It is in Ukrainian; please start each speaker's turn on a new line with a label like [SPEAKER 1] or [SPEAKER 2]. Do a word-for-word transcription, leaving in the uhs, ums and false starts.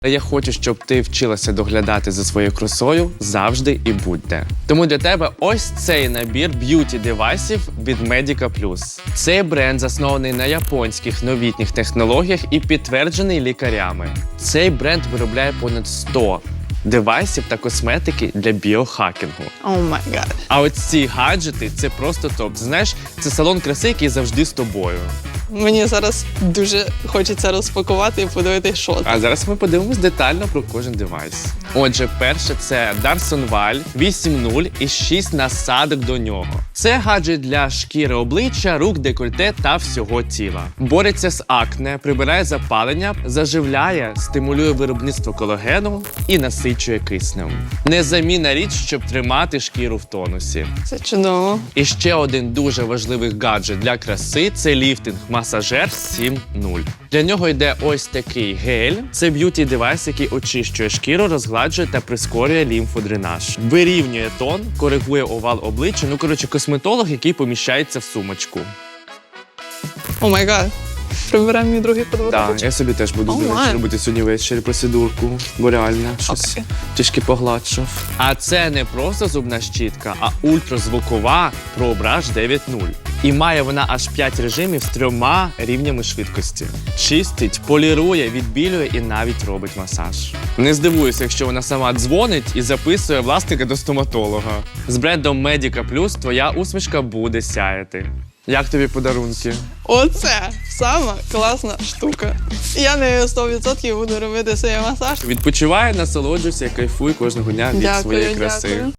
[SPEAKER 1] Та я хочу, щоб ти вчилася доглядати за своєю красою завжди і будь-де. Тому для тебе ось цей набір б'юті-девайсів від Medica Plus. Цей бренд заснований на японських новітніх технологіях і підтверджений лікарями. Цей бренд виробляє понад сто девайсів та косметики для біохакінгу.
[SPEAKER 2] О май гад.
[SPEAKER 1] А от ці гаджети – це просто топ. Знаєш, це салон краси, який завжди з тобою.
[SPEAKER 2] Мені зараз дуже хочеться розпакувати і подивитися, що там.
[SPEAKER 1] А зараз ми подивимось детально про кожен девайс. Отже, перше це Darson Val вісім нуль і шість насадок до нього. Це гаджет для шкіри обличчя, рук, декольте та всього тіла. Бореться з акне, прибирає запалення, заживляє, стимулює виробництво колагену і насичує киснем. Незамінна річ, щоб тримати шкіру в тонусі.
[SPEAKER 2] Це чудово.
[SPEAKER 1] І ще один дуже важливий гаджет для краси – це ліфтинг-масажер сім нуль. Для нього йде ось такий гель. Це б'юті-девайс, який очищує шкіру, розгладжує та прискорює лімфодренаж. Вирівнює тон, коригує овал обличчя. Ну, коротше, косметолог, який поміщається в сумочку.
[SPEAKER 2] О май гад. Приберемо мій другий подводок.
[SPEAKER 1] Так, я собі теж буду,
[SPEAKER 2] О,
[SPEAKER 1] до речі,
[SPEAKER 2] май.
[SPEAKER 1] робити сьогодні ввечері процедурку, бо реально щось
[SPEAKER 2] Окей.
[SPEAKER 1] трішки погладшав. А це не просто зубна щітка, а ультразвукова ProBrush дев'ять нуль. І має вона аж п'ять режимів з трьома рівнями швидкості. Чистить, полірує, відбілює і навіть робить масаж. Не здивуюся, якщо вона сама дзвонить і записує власника до стоматолога. З брендом Medica Plus твоя усмішка буде сяяти. Як тобі подарунки?
[SPEAKER 2] Оце сама класна штука. Я нею сто відсотків буду робити свій масаж.
[SPEAKER 1] Відпочивай, насолоджуйся, кайфуй кожного дня від
[SPEAKER 2] Дякую,
[SPEAKER 1] своєї краси.
[SPEAKER 2] дякую.